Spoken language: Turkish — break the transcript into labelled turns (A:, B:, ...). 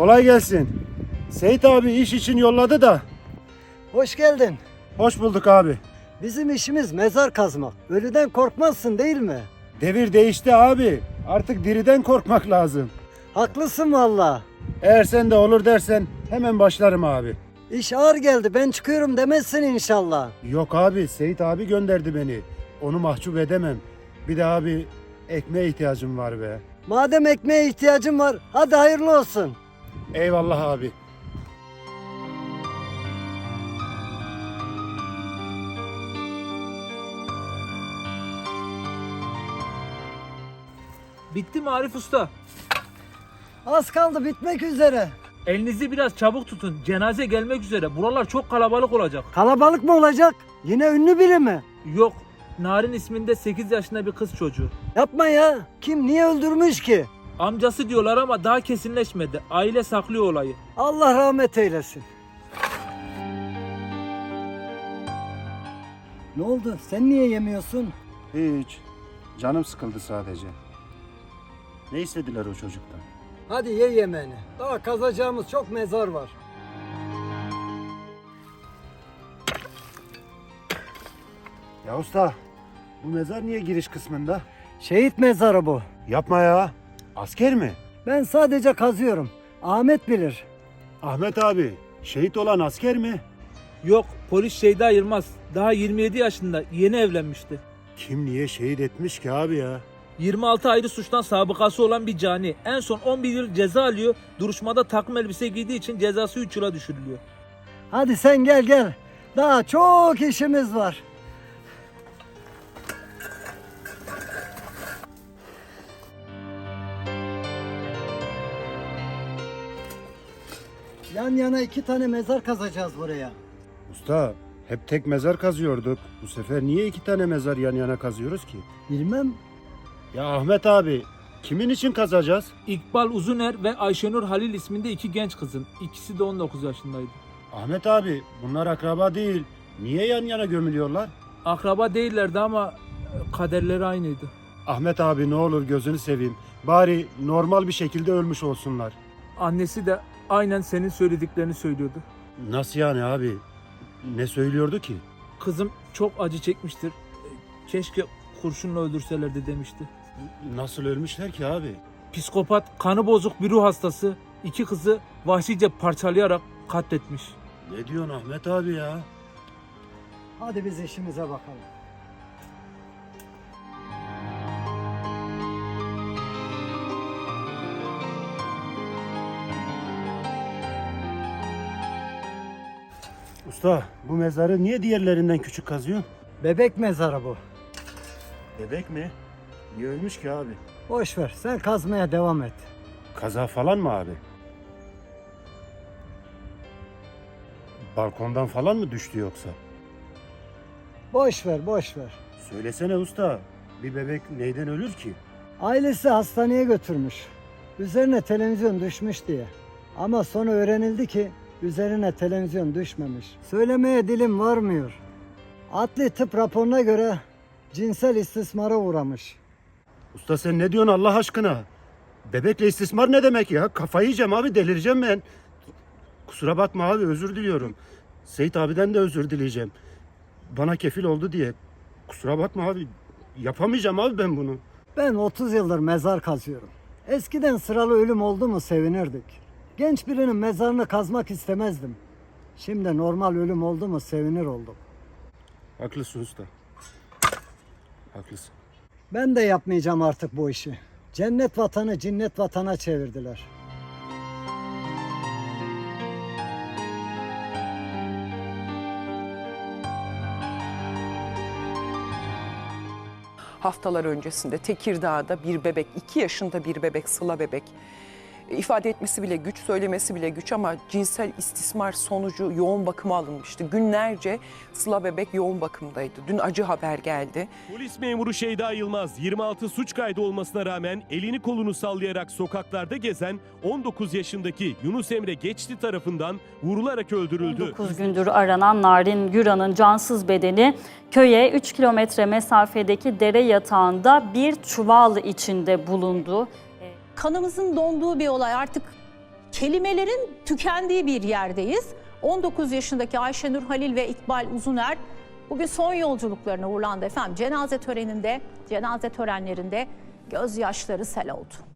A: Kolay gelsin. Seyit abi iş için yolladı da.
B: Hoş geldin.
A: Hoş bulduk abi.
B: Bizim işimiz mezar kazmak. Ölüden korkmazsın değil mi?
A: Devir değişti abi. Artık diriden korkmak lazım.
B: Haklısın valla.
A: Eğer sen de olur dersen hemen başlarım abi.
B: İş ağır geldi, ben çıkıyorum demezsin inşallah.
A: Yok abi, Seyit abi gönderdi beni. Onu mahcup edemem. Bir de abi ekmeğe ihtiyacım var be.
B: Madem ekmeğe ihtiyacın var, hadi hayırlı olsun.
A: Eyvallah abi.
C: Bitti mi Arif Usta?
B: Az kaldı, bitmek üzere.
C: Elinizi biraz çabuk tutun. Cenaze gelmek üzere. Buralar çok kalabalık olacak.
B: Kalabalık mı olacak? Yine ünlü biri mi?
C: Yok. Narin isminde 8 yaşında bir kız çocuğu.
B: Yapma ya. Kim, niye öldürmüş ki?
C: Amcası diyorlar ama daha kesinleşmedi. Aile saklıyor olayı.
B: Allah rahmet eylesin. Ne oldu? Sen niye yemiyorsun?
A: Hiç. Canım sıkıldı sadece. Ne istediler o çocuktan?
B: Hadi ye yemeğini. Daha kazacağımız çok mezar var.
A: Ya usta, bu mezar niye giriş kısmında?
B: Şehit mezarı bu.
A: Yapma ya. Asker mi?
B: Ben sadece kazıyorum. Ahmet bilir.
A: Ahmet abi, şehit olan asker mi?
C: Yok, polis Şeyda Yılmaz. Daha 27 yaşında. Yeni evlenmişti.
A: Kim niye şehit etmiş ki abi ya?
C: 26 ayrı suçtan sabıkası olan bir cani. En son 11 yıl ceza alıyor. Duruşmada takım elbise giydiği için cezası 3 yıla düşürülüyor.
B: Hadi sen gel gel. Daha çok işimiz var. Yan yana 2 tane mezar kazacağız buraya.
A: Usta, hep tek mezar kazıyorduk. Bu sefer niye 2 tane mezar yan yana kazıyoruz ki?
B: Bilmem.
A: Ya Ahmet abi, kimin için kazacağız?
C: İkbal Uzuner ve Ayşenur Halil isminde 2 genç kızın. İkisi de 19 yaşındaydı.
A: Ahmet abi, bunlar akraba değil. Niye yan yana gömülüyorlar?
C: Akraba değillerdi ama kaderleri aynıydı.
A: Ahmet abi ne olur gözünü seveyim. Bari normal bir şekilde ölmüş olsunlar.
C: Annesi de aynen senin söylediklerini söylüyordu.
A: Nasıl yani abi? Ne söylüyordu ki?
C: Kızım çok acı çekmiştir. Keşke kurşunla öldürselerdi demişti.
A: Nasıl ölmüşler ki abi?
C: Psikopat, kanı bozuk bir ruh hastası 2 kızı vahşice parçalayarak katletmiş.
A: Ne diyorsun Ahmet abi ya?
B: Hadi biz işimize bakalım.
A: Usta, bu mezarı niye diğerlerinden küçük kazıyorsun?
B: Bebek mezarı bu.
A: Bebek mi? Niye ölmüş ki abi?
B: Boş ver, sen kazmaya devam et.
A: Kaza falan mı abi? Balkondan falan mı düştü yoksa?
B: Boş ver, boş ver.
A: Söylesene usta, bir bebek neyden ölür ki?
B: Ailesi hastaneye götürmüş. Üzerine televizyon düşmüş diye. Ama sonra öğrenildi ki üzerine televizyon düşmemiş. Söylemeye dilim varmıyor. Adli tıp raporuna göre cinsel istismara uğramış.
A: Usta sen ne diyorsun Allah aşkına? Bebekle istismar ne demek ya? Kafayı yiyeceğim abi, delireceğim ben. Kusura bakma abi, özür diliyorum. Seyit abiden de özür dileyeceğim. Bana kefil oldu diye. Kusura bakma abi, yapamayacağım abi ben bunu.
B: Ben 30 yıldır mezar kazıyorum. Eskiden sıralı ölüm oldu mu sevinirdik. Genç birinin mezarını kazmak istemezdim. Şimdi normal ölüm oldu mu sevinir oldum.
A: Haklısın usta. Haklısın.
B: Ben de yapmayacağım artık bu işi. Cennet vatanı cinnet vatana çevirdiler.
D: Haftalar öncesinde Tekirdağ'da bir bebek, 2 yaşında bir bebek, Sıla bebek, ifade etmesi bile güç, söylemesi bile güç ama cinsel istismar sonucu yoğun bakıma alınmıştı. Günlerce Sıla bebek yoğun bakımdaydı. Dün acı haber geldi.
E: Polis memuru Şeyda Yılmaz 26 suç kaydı olmasına rağmen elini kolunu sallayarak sokaklarda gezen 19 yaşındaki Yunus Emre Geçti tarafından vurularak öldürüldü.
F: 9 gündür aranan Narin Güran'ın cansız bedeni köye 3 kilometre mesafedeki dere yatağında bir çuval içinde bulundu.
G: Kanımızın donduğu bir olay, artık kelimelerin tükendiği bir yerdeyiz. 19 yaşındaki Ayşenur Halil ve İkbal Uzuner bugün son yolculuklarına uğurlandı efendim. Cenaze törenlerinde gözyaşları sel oldu.